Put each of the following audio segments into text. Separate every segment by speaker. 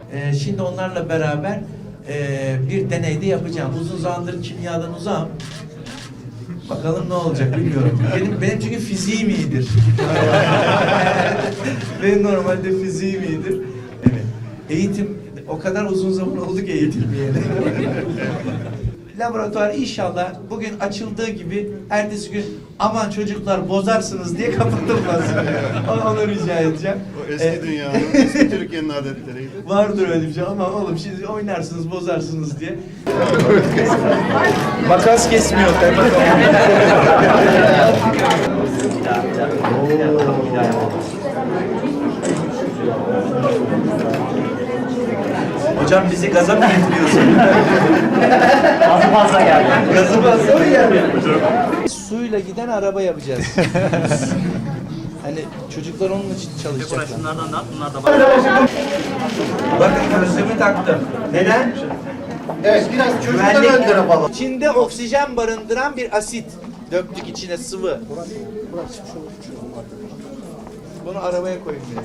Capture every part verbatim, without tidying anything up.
Speaker 1: E, şimdi onlarla beraber e, bir deneyde yapacağım. Uzun zamandır kimyadan uzağım. Bakalım ne olacak bilmiyorum. Benim benim çünkü fiziğim iyidir. Benim normalde fiziğim iyidir. Evet. Eğitim o kadar uzun zaman oldu ki eğitilmeyeli. Laboratuvar inşallah bugün açıldığı gibi ertesi gün aman çocuklar bozarsınız diye kapatılmaz. Onu, onu rica edeceğim.
Speaker 2: O eski
Speaker 1: Ee,
Speaker 2: dünyanın, eski Türkiye'nin adetleriydi.
Speaker 1: Vardır öyle bir şey ama oğlum şimdi oynarsınız bozarsınız diye. Makas kesmiyor kaymakam. Hocam bizi gaza mı getiriyorsun?
Speaker 3: Gazı fazla geldi.
Speaker 1: Gazı fazla mı geldi? Suyla giden araba yapacağız. Hani çocuklar onun için çalışacaklar.
Speaker 3: Şunlardan da at, bunlar da bak.
Speaker 1: Bakın gözlüğümü taktım. Neden?
Speaker 4: Evet, biraz çocuktan
Speaker 1: Güvenlik.
Speaker 4: ön tarafa alalım.
Speaker 1: İçinde oksijen barındıran bir asit döktük içine sıvı. Bunu arabaya koyun diye.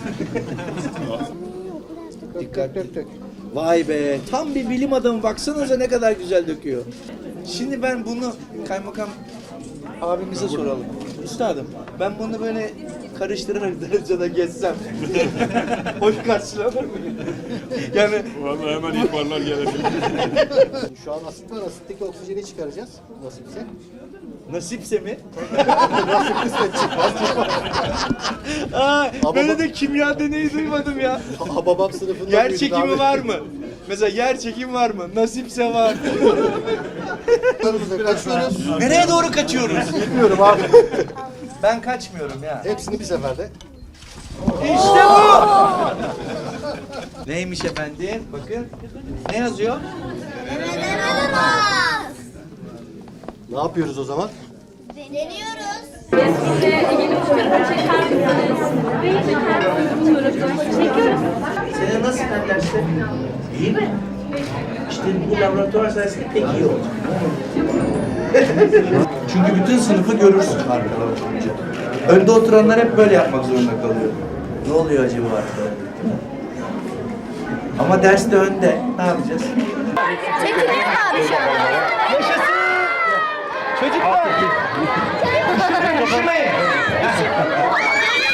Speaker 1: Dikkatli. Vay be, tam bir bilim adamı, baksanıza ne kadar güzel döküyor. Şimdi ben bunu kaymakam abimize soralım. Üstadım, ben bunu böyle karıştırarak derecede geçsem hoş karşılanır mı? Yani
Speaker 2: Vallahi hemen ihbarlar gelebilir.
Speaker 4: Şu an asit var, asitteki oksijeni çıkaracağız. Nasipse.
Speaker 1: nasipse mi?
Speaker 4: Nasipse çıkmaz.
Speaker 1: Aa,
Speaker 4: Ama
Speaker 1: böyle
Speaker 4: bak-
Speaker 1: de kimya deneyi duymadım ya.
Speaker 4: Hababam sınıfında
Speaker 1: Yer
Speaker 4: büyüdük
Speaker 1: çekimi
Speaker 4: abi.
Speaker 1: var mı? Mesela yer çekimi var mı? Nasipse var.
Speaker 4: Kaçıyoruz.
Speaker 1: Nereye doğru kaçıyoruz?
Speaker 4: Bilmiyorum abi.
Speaker 1: Ben kaçmıyorum ya.
Speaker 4: Hepsini bir seferde.
Speaker 1: İşte bu. Neymiş efendim? Bakın. Ne yazıyor?
Speaker 4: Ne yapıyoruz o zaman?
Speaker 5: Deniyoruz.
Speaker 1: Senin nasıl derste? İyi mi? İşte bu laboratuvar sayesinde pek iyi oldu. Çünkü bütün sınıfı görürsün arkada oturunca. Önde oturanlar hep böyle yapmak zorunda kalıyor. Ne oluyor acaba arkada? Ama derste önde. Ne yapacağız?
Speaker 5: Çekiliyor abi şu an.
Speaker 1: Çocuklar! Üşümeyin!